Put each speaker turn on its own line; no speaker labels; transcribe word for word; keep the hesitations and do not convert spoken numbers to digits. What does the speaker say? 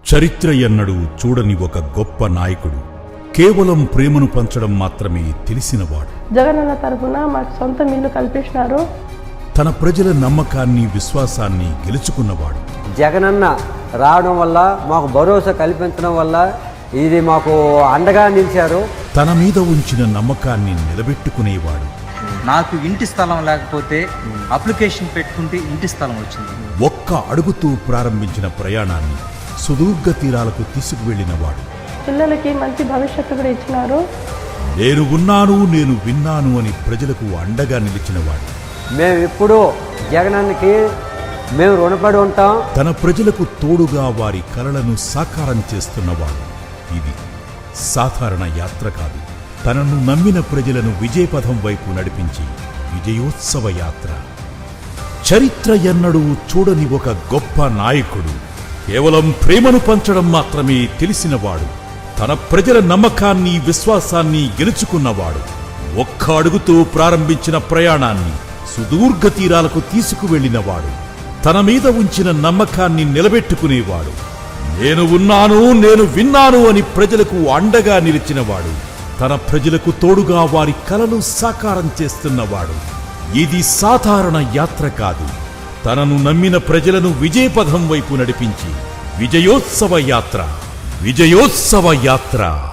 చరిత్ర ఎన్నడూ చూడని ఒక గొప్ప నాయకుడు, కేవలం ప్రేమను పంచడం మాత్రమే తెలిసినవాడు.
జగనన్న తరపున మాకు సొంత ఇల్లు కల్పించినారు.
తన ప్రజల నమ్మకాన్ని విశ్వాసాన్ని గెలుచుకున్నవాడు.
జగనన్న రావడం వల్ల మాకు భరోసా కల్పించడం వల్ల ఇది మాకు అండగా నిలిచారు.
తన మీద ఉంచిన నమ్మకాన్ని నిలబెట్టుకునేవాడు.
నాకు ఇంటి స్థలం లేకపోతే అప్లికేషన్ పెట్టుకుంటే ఇంటి స్థలం వచ్చింది.
ఒక్క అడుగుతూ ప్రారంభించిన ప్రయాణాన్ని సుదూర్ఘ తీరాలకు తీసుకువెళ్లినవాడు.
పిల్లలకి మంచి భవిష్యత్తు కూడా ఇచ్చినారు.
నేను ఉన్నాను, నేను విన్నాను అని ప్రజలకు అండగా నిలిచినవాడు.
మేము ఇప్పుడు జగనన్నకి మేము రుణపడి ఉంటాం.
తన ప్రజలకు తోడుగా వారి కలలను సాకారం చేస్తున్నవాడు. ఇది సాధారణ యాత్ర కాదు. తనను నమ్మిన ప్రజలను విజయపథం వైపు నడిపించి విజయోత్సవ యాత్ర. చరిత్ర ఎన్నడూ చూడని ఒక గొప్ప నాయకుడు, కేవలం ప్రేమను పంచడం మాత్రమే తెలిసినవాడు. తన ప్రజల నమ్మకాన్ని విశ్వాసాన్ని గెలుచుకున్నవాడు. ఒక్క అడుగుతో ప్రారంభించిన ప్రయాణాన్ని సుదూర్ఘ తీరాలకు తీసుకువెళ్లినవాడు. తన మీద ఉంచిన నమ్మకాన్ని నిలబెట్టుకునేవాడు. నేను ఉన్నాను, నేను విన్నాను అని ప్రజలకు అండగా నిలిచినవాడు. తన ప్రజలకు తోడుగా వారి కలలు సాకారం చేస్తున్నవాడు. ఇది సాధారణ యాత్ర కాదు. తనను నమ్మిన ప్రజలను విజయపథం వైపు నడిపించి విజయోత్సవ యాత్ర. విజయోత్సవ యాత్ర.